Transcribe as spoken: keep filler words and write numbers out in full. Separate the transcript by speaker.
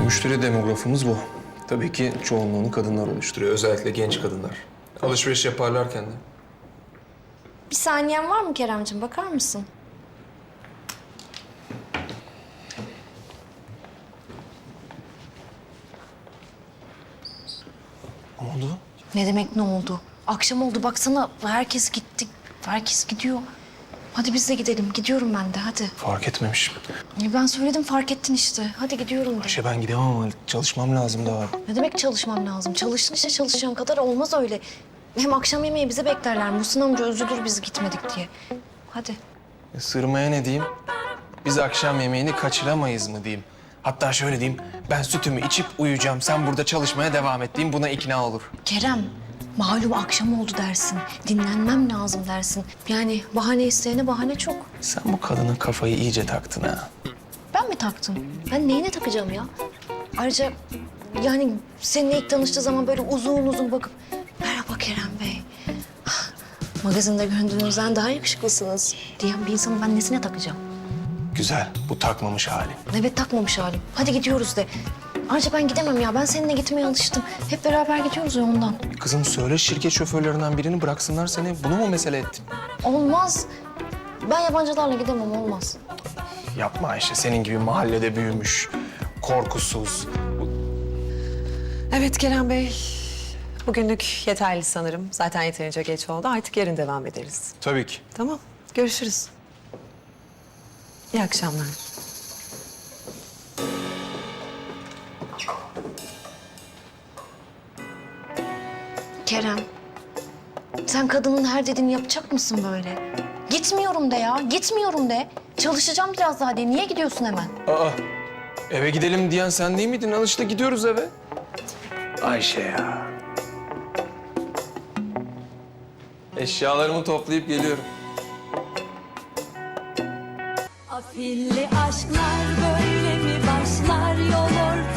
Speaker 1: Müşteri demografımız bu. Tabii ki çoğunluğunu kadınlar oluşturuyor. Özellikle genç kadınlar. Alışveriş yaparlarken de.
Speaker 2: Bir saniyen var mı Keremciğim? Bakar mısın?
Speaker 1: Ne oldu?
Speaker 2: Ne demek ne oldu? Akşam oldu baksana herkes gitti. Herkes gidiyor. Hadi biz de gidelim. Gidiyorum ben de hadi.
Speaker 1: Fark etmemişim.
Speaker 2: Ya ben söyledim fark ettin işte. Hadi gidiyorum de.
Speaker 1: Ayşe ben gidemem ama çalışmam lazım daha.
Speaker 2: Ne demek çalışmam lazım? Çalıştın işte çalışacağın kadar olmaz öyle. Hem akşam yemeği bize beklerler. Muhsin amca üzülür biz gitmedik diye. Hadi.
Speaker 1: E, sırmaya ne diyeyim? Biz akşam yemeğini kaçıramayız mı diyeyim? Hatta şöyle diyeyim, ben sütümü içip uyuyacağım, sen burada çalışmaya devam et diyeyim, buna ikna olur.
Speaker 2: Kerem, malum akşam oldu dersin. Dinlenmem lazım dersin. Yani bahane isteyene bahane çok.
Speaker 1: Sen bu kadının kafayı iyice taktın ha.
Speaker 2: Ben mi taktım? Ben neyine takacağım ya? Ayrıca yani seninle ilk tanıştığı zaman böyle uzun uzun bakıp... Merhaba Kerem Bey. Ah, magazinde göründüğünüzden daha yakışıklısınız diyen bir insanı ben nesine takacağım?
Speaker 1: Güzel, bu takmamış hali.
Speaker 2: Evet takmamış halim. Hadi gidiyoruz de. Ayrıca ben gidemem ya. Ben seninle gitmeye alıştım. Hep beraber gidiyoruz ya ondan.
Speaker 1: Kızım söyle şirket şoförlerinden birini bıraksınlar seni. Bunu mu mesele ettin?
Speaker 2: Olmaz. Ben yabancılarla gidemem olmaz.
Speaker 1: Yapma Ayşe, senin gibi mahallede büyümüş, korkusuz.
Speaker 3: Evet Kerem Bey. Bugünlük yeterli sanırım. Zaten yeterince geç oldu. Artık yarın devam ederiz.
Speaker 1: Tabii ki.
Speaker 3: Tamam. Görüşürüz. İyi akşamlar.
Speaker 2: Kerem, sen kadının her dediğini yapacak mısın böyle? Gitmiyorum de ya, gitmiyorum de. Çalışacağım biraz daha de. Niye gidiyorsun hemen?
Speaker 1: Aa, eve gidelim diyen sen değil miydin? Al işte gidiyoruz eve. Ayşe ya. Eşyalarımı toplayıp geliyorum.
Speaker 4: Afilli aşklar böyle mi başlar yol ortaya?